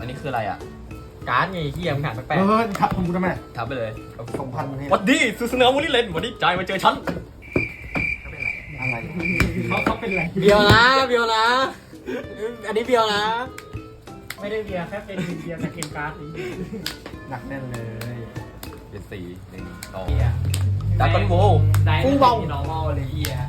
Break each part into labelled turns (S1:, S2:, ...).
S1: อันนี้คืออะไรอ่ะ
S2: การ์ดไงเฮียมึงหาแปลก
S3: ครับคุณทำไม
S1: ทับไปเลย
S3: 2,000นี่
S1: วัดดีซูซูเนอร์มูนี่เลนวันนี้ใจมาเจอฉัน
S3: อะไร
S4: เขาเป็นไร
S2: ๆเบียวนะเบียวนะ อันนี้เบียวนะ
S4: ไม่ได้เบียร์แค่เป็นเบียร์แต่เกมการ์ดนี่
S3: หนักแน่นเลย
S1: เป็นสี่หนึ่งสอง
S4: เบียร์
S1: ดับกันโว
S4: ได้ไม่เป็นที่ normal เลยเบียร์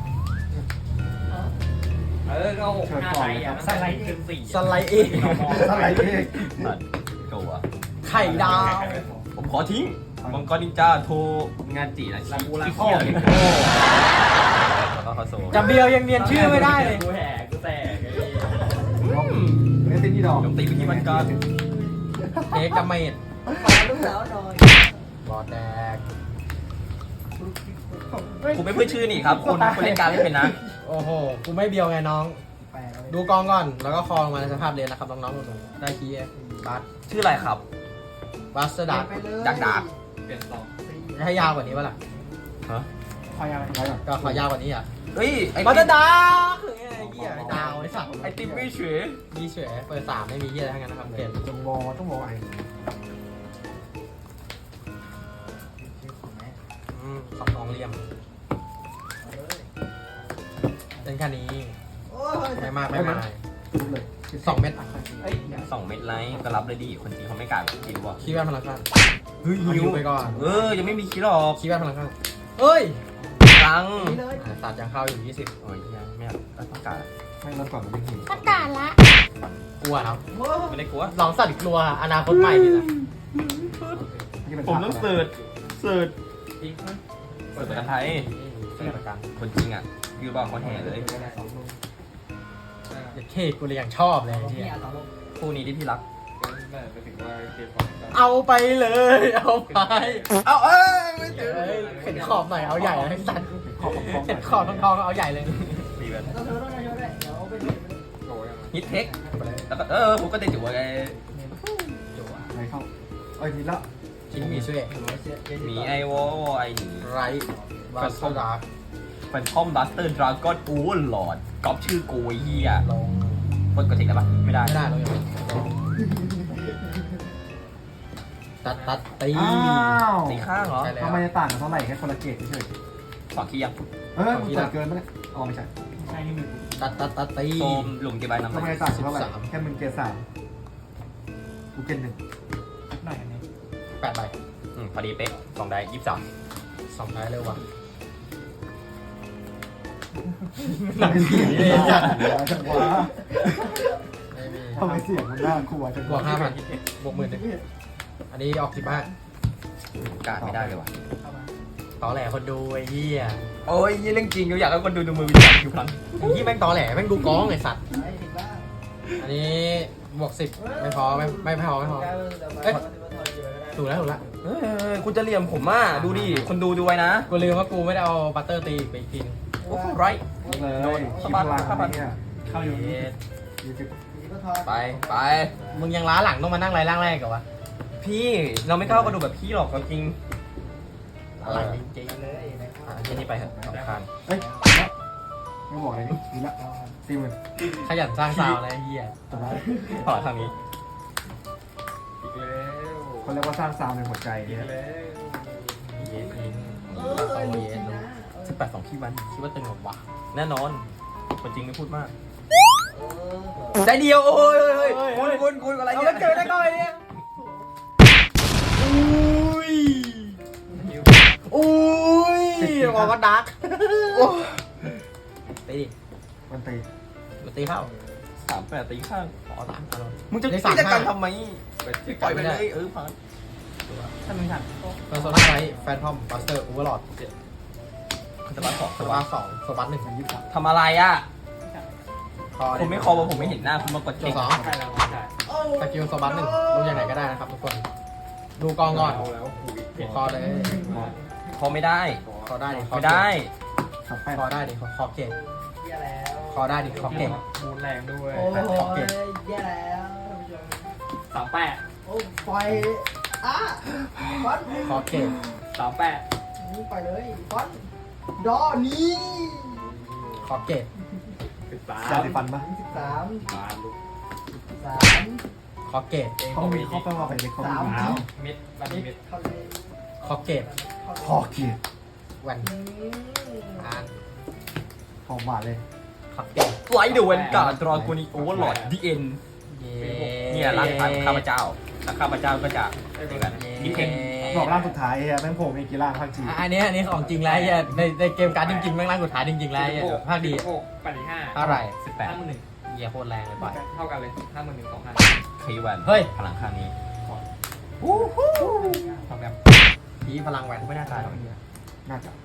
S4: ก็หกหน้าไทยอ่ะสไลด์เป็นสี่
S2: สไลด์เอง
S3: อะไรเอง
S1: ตัดตัว
S2: ไข่ดาว
S1: ผมขอทิ้งมังกรนินจาโทงานจีนะ
S4: ลาบูลา
S1: ที่
S4: โก้
S1: เขี้ยแล้วก็คาโซ
S2: จะเบียวยังเนียนชื่อไม่ได้เลย
S4: กูแหกกูแตก
S3: ไม่ติดที่ดอก
S1: โจมตีไปที่มันก่อน
S2: เอกเมด
S5: ขอลูกสาวหน่อย
S2: บอดแดก
S1: ผมไม่พูดชื่อนี่ครับคุณเล่นการไม่เป็นนะ
S2: โอ้โหกูไม่เบียวไงน้อง ดูกองก่อน แล้วก็คอลงมาในสภาพเรียนนะครับน้องๆหนูๆได้คีย์บัส
S1: ชื่ออะไรครับ
S2: บัสดัก
S5: ไปเลย
S1: ดักดาบ
S4: เปลี่ยนต่อ
S2: ให้ยาวกว่านี้ป่ะล่ะ
S1: ฮะ
S4: คอยอะไร
S3: อะไรก่อน
S2: ก็ขอยาวกว่านี้อ่ะ
S1: เฮ้ยไอ้
S2: บัสดักคือไงไอ้เหี้ยไอ้ดาวไอ้สัตว์
S1: ไอติมไม่เฉย
S2: มีเฉยเปิด3ไม่มีเหี้ยอะไรทั้งนั้นนะครับเกม
S3: จงวอต้องวอไอ้
S2: สองกองเหลี่ยมเล่นแค่นี้
S5: โอ้ย
S2: ไม่มากไม่มาก
S3: รู้เลย
S2: 2 เม็ด
S4: เฮ้ย
S1: 2 เม็ดไลท์ก็รับเลยดิคนจีนเขาไม่กล้าแบบกินว่ะ
S2: คีย์แวนพลังข้าง
S1: เฮ้ย
S2: เอาฮิวไปก่อน
S1: ยังไม่มีคิดหรอก
S2: คีย์แวนพลังข้างเฮ้ย
S1: ตัง
S5: นี่เลย
S2: ตัดยังเข้าอยู่20
S1: โอ้ยยังไม่เอาต้องการ
S3: ไม่รับก่อนไม่หิว
S6: ประกาศละ
S2: กลัวครับ
S5: โอ้
S1: ไม่ได้กลัว
S2: ลองสัตว์กลัวอนาคตใหม่ดีนะ
S1: ผมต้องเสิร์ชเสิร์ช
S4: อีก
S1: เสิร์ชภาษาไทย
S2: เสิร์ฟประกัน
S1: คนจริงอ่ะยืนบอกคนแห่เลย
S2: อย่าเคกูเลยอย่างชอบเลยไอ้
S5: นี่
S2: เหี้ย
S5: อ่ะสองลูก
S1: คู่นี้ที่พี่รัก
S4: ไปถึงว่าเกมของ
S2: เอาไปเลยเอาไป
S1: เอาไม่เจอ
S2: เอ้ยเห็นขอบหน่อยเอาใหญ่เลยไอ้สัตว์
S3: ขอบของ
S2: เห็นขอบทองๆเอาใหญ่เลย
S1: ตีแบบ
S5: ต้องเธอต้องเธอด้วยเดี๋ยวไปดู
S4: โอ้ย
S1: ฮิตเทคแล้วก็ผมก็ได้จุ๋วไง
S3: ไหนเข้าเอ้ยทีละ
S2: ชิ้นมีช่วย
S1: มีไอวอไอหนี
S2: ไรวาสดา
S1: เป็นทอมบัสเตอร์ดราก้อนโอ้หลอดก๊อปชื่อกูไอ้เหี้ย
S2: ลง
S1: กดกดเทคได้ปะไม่ได้
S2: ไม่ได้เราอย่างตัดตี
S3: อ้าว
S1: ตีข้างเหรอ
S2: ใช่แล้ว
S3: ทำไมจะต่างกันเท่าไหร่แค่คนละเกตเฉย
S1: สองขี้ยัง
S3: เฮ้ยมึงเปิดเกินปะเนี่ยอ๋อไม่ใช่
S4: ใช่นี่มือ
S2: ตัดตี
S1: โฟมหลุมเก็บใบน้ำ
S3: ทำไม
S1: มัน
S3: จะต่างกันเท่าไหร่แค่มึงเกต3กูเกต1
S4: หน่อยอันนี้
S2: 8 ใบ
S1: พอดีเป๊ะสองได้23
S2: 2 ท้ายเร็วว่ะ
S3: เสียงเลยจังวะ
S2: ไม่มี
S3: ทำไมเสียงมันน่ากลัวจัง
S2: บวก5,000บวก10,000อันนี้ออก15
S1: กาดไม่ได้เลยว่ะ
S2: ต่อแหลคนดูไอ้เหี้ย
S1: โอ้ยยี่เรื่องจริงอยากให้คนดูมือวิจารณ์คิวพลัง
S2: ไอ้เหี้ยแม่งต่อแหลแม่งดูก้องไอ้สัตว์
S5: ไอ้ถึงบ้าง
S2: อันนี้บวก10ไม่พอไม่พอถูกแล้ว
S1: คุณจะเหลี่ยมผมอ่ะดูดิคนดูไว้นะ
S2: กูลืมว่ากูไม่ได้เอาบัตเตอร์ตีไปอีกทีนึง
S1: โอ้ไร
S3: เลยคิดพลังเนี่ย
S4: เข้าอยู่
S1: ไปไป
S2: มึงยังล้าหลังต้องมานั่งไรล่างแรกกับวะ
S1: พี่เราไม่กล้ากระดูกแบบพี่หรอกจริง
S2: อะไรจริง
S5: เลยนะครับ
S1: แค่นี้ไปเถอะสำคัญ
S3: เฮ้ยไม่บอกอะไรนี่ดีละ40,000
S2: ๆขยันสร้างซาวน์เลยไอ้เหี้ย
S3: จบแล้ว
S1: ต่อทางนี้
S4: อีกแล้ว
S3: เขาเรียกว่าสร้างซาวในหัวใจ
S4: อีก
S3: เนี่ย
S4: แล้ว
S2: เยสอิน
S5: เอ
S2: โต
S5: อ
S2: เยส
S5: นะ
S1: 18 2ขี้วัน
S2: คิดว่าตึงหรอวะ
S1: แน่นอนคนจริงไม่พูดมาก
S5: เออ
S1: ใจเดียวโอ้ยคุณอะไร
S2: เอา
S1: เนี่
S2: ไป
S1: ย
S2: เจอได้ก่อนเนี่ยอุ้ยออกก็ดักตีดิ
S3: มันตี
S2: มาตีเข้า
S1: 38ตีข้าง
S2: ขอ3อารมณ์
S1: มึงจะ
S2: ได้
S1: กิจกรรม
S2: 35
S1: ทำไมปล่อยไปเลยผ่าน
S4: ถ้ามึงถัด
S2: เพอร์โซน่าไรแฟนทอมบัสเตอร์โอเวอร์ลอด
S1: สบัสของ
S2: ส
S1: ส
S2: วั
S1: บั
S2: ส
S1: ส
S2: ดิ์2สวัสดิ์1
S1: ทำอะไรอ่ะ
S2: คอ
S1: ผมไม่คอว่าผมไม่เห็นหน้าคุณมากด
S2: โจ
S1: เช็ค
S2: สอง
S4: ใช่แล้วใช่
S2: สกิลสวัสดิ์1ลงอย่างไหนก็ได้นะครับทุกคน ดูกองก่อน
S4: เอาแล้วคุย
S2: คอเลย
S1: คอไม่ได้
S2: คอได้ดิ
S1: ไม่ได้
S2: คอได้ดิคอเก่ง
S5: แย่แล้ว
S2: คอได้ดิคอเก่ง
S4: มูนแรงด้วย
S5: โอ้ยแย่แล้วท่านผู้ชม
S4: 38
S5: โอ้ปล่อยอ่ะฟอน
S2: คอเก่ง
S4: 38
S5: นี่ปล่อยเลยฟอนดอนี่
S2: คอเก่ง
S3: ยาสีฟันปะ
S5: 13
S4: มาลูก
S5: 13
S2: คออเกต
S3: เขามีเขาแปลว่าไปเลยเขามี
S5: 3
S1: เม็ดบันเม็ด
S5: เข้าเลย
S2: คอเกต
S3: คอเกียร์
S2: แวนอ่าน
S3: หอมหวานเลย
S2: คอเกต
S1: ไลท์เดอะเวนการ์ดดราโกนิโอเวอร์ลอดดีเอ็นเนี่ยร่างกายของข้าพเจ้าแล้วข้าพเจ้าก็จะนี่กันนี่เทค
S3: บอกร่างสุดท้ายไอ้แม่งโผล่มีกี่ร่างภาคจี
S2: อันนี้ของจริงแล้วไอ้ในเกมการ์ดจริงๆแม่งร่างสุดท้ายจริงๆแล้วไอ้ภาคดี
S4: 85
S2: เท่าไหร่
S1: 18
S4: 51
S2: เหี้ยโคตรแรงเลยปล่อย
S4: เท่ากันเลย51
S1: คีวัน
S2: เฮ้ย
S1: พลังข้างนี้ทำแบบ
S2: ผีพลังแวนไม่น่าตายหรอกไอ้เหี้ย
S3: น่าจะ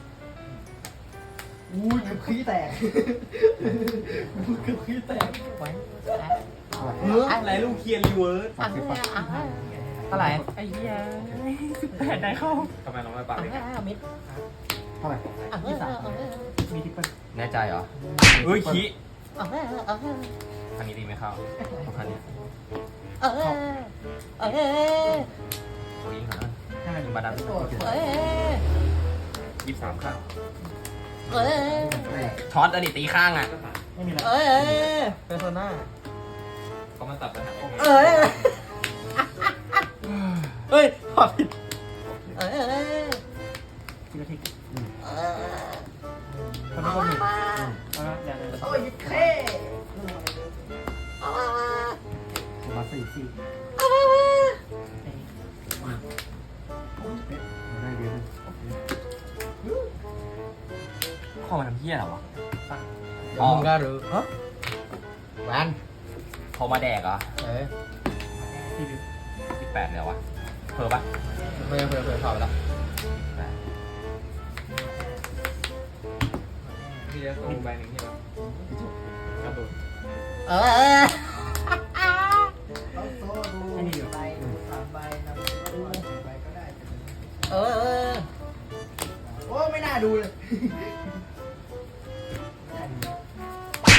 S5: อุ้ยเกือบขี้แตกเกือบขี้แตก
S2: ไว้
S1: อะไรลูกเคียนรีเวิร์ส
S3: ฝากซื้อฝาก
S2: เท่าไหร่
S1: ไอ้เหี้ย18ได้เข้าทำไมเราไม่ปากเลย
S2: มิด
S3: เท่าไหร่
S4: มีทิปเปิล
S1: แน่ใจเหรอเฮ้ยคีอันนี้ดีไหมเข้าอันนี้โอ้ยยิงหายิงบาดัน23ข้างช็อตอันนี้ตีข้างอ่ะ
S4: ไม่มีอะไร
S2: เพอร์โซน่า
S1: ก็มาตัดปัญหา
S2: เฮ้ยพอผิด
S4: ทีละทิก
S3: คนนี้ก็มี
S4: เดี๋ยว
S5: โอ้ยเท่
S3: มาสี่ได้เยอะเลย
S1: ข้อมันทำเหี้ยอะไรวะ
S2: มึงก็รู้ฮะแวน
S1: พอมาแดกเหรอ
S4: ทีวิว
S1: 18เลยวะเพิ่มปะ
S2: เพื่อถอดไปแล้ว
S4: ทีละตัวใบหนึ่งที่เรากระโดด
S5: เราโซ่ดูใบดู3 ใบนำดู4 ใบก็ได้โอ้ไม่น่าดูเลยไม่น่าดู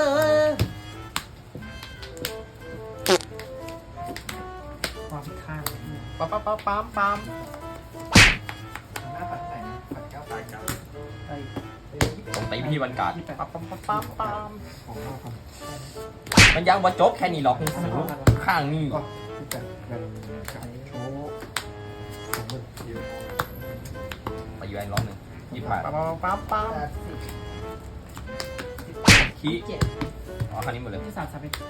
S4: ความผิดข้าง
S2: ปั๊ม
S5: หน้าปัดไหนปัด9
S4: ตายเก่า
S5: ไอ้
S1: ผมตีพี่วันการ์ด
S2: ปั๊ม
S3: ของข้าวครับ
S1: มันยังว่าจบแค่นี้หรอกข้างนี่
S3: ก็ที่แต่เป็นกับโชว์ของมึง
S1: ตีแวนรอบหนึ่ง28
S5: 80
S1: ขี้
S5: 7
S1: อ๋อคันนี้หมดเลย
S4: ที่3 เป็น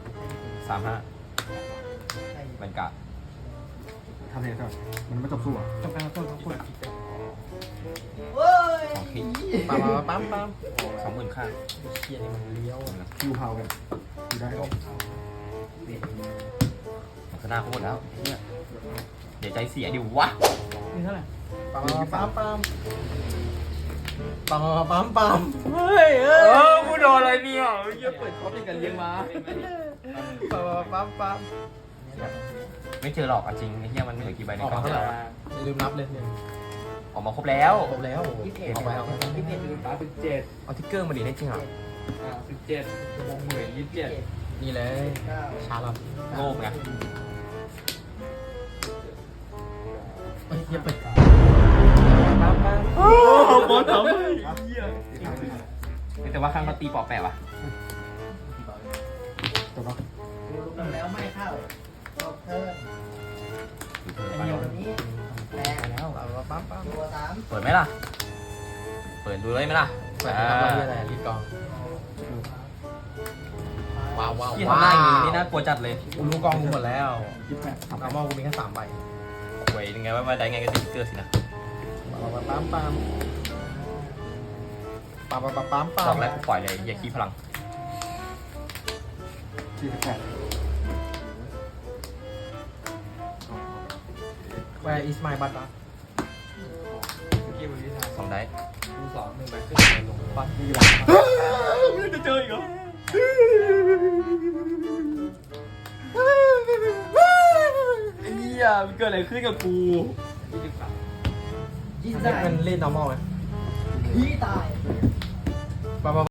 S1: 35บรรยากาศ
S3: ทำเองก่อนมันไม่จบสู้อ่ะ
S4: ต้องการต้นต้องพูด
S5: เว้ย
S1: ของขี้
S2: ปั๊ม
S1: 20,000ข้าง
S2: เชียร์นี่มันเลี้ยว
S3: คิวพาวกันอยู่ได้ก็
S1: มันก็น่าโคตรแล้วเนี่ยเดี๋ยวใจเสียดิวะ
S4: มีเท่าไหร่
S2: ปั๊มเฮ้ย
S1: กูโดนอะไรเนี่ยเยี่ยเปิดคอปปี้กันเลี้ยงมา
S2: ปั๊ม
S1: ไม่เจอหรอกจริงไอ้เหี้ยมันเหลือกี่ใบในกล่อง
S2: ลืมนับเลยเนี่ย
S1: ออกมาครบแล้ว
S2: ครบแล้ว
S5: 21
S2: ออกไปเอา
S5: 21ดู
S4: 37
S1: เอาทิกเกอร์มาดีได้จริงเหรอ
S4: 17วงหมื่น27
S2: นี่เลยชาลอต
S1: โง่ไง
S2: เฮ้ยเฮียเปิด
S1: โอ้โหทำไมแต่ว่าข้างเขาตีปอกแปะวะ
S3: จบแล้ว
S5: ดูกันแล้วไม่เข้าจบเธอตัวนี้แรง
S2: แล้วปั๊ม
S5: ตัว3
S1: เปิดไหมล่ะ เปิดดูเลยไหมล่ะ
S2: เปิดทำอะไรรีดกองว้าว
S1: ที่ทำหน้าอย่างนี้นี่น่ากลัวจัดเลย
S2: กูรู้กองกูหมดแล้ว
S3: 28ทำ
S2: เอามอกูมีแค่3 ใบ
S1: เว้ยยังไงว่าได้ไงก็ติ๊กเกอร์สินะ
S2: ปั๊ม
S1: บอกแล้วกูปล่อยเลยอย่าขี้พลัง
S3: 48
S2: Where is my butt
S4: กี่บริษัท
S1: 2 ได้
S4: ดู2 1ใบขึ้นลง
S3: ปัดนี่แหละ
S1: ไม่จะเจออีกเหรอไอ้เหี้ยมันเกิดอะไรขึ้นกับกู
S4: 23
S5: ยิ่ง
S2: มัน
S5: ได้
S2: เป็นเล่น normal ไหม
S5: ขี้ตาย
S2: ปั๊ม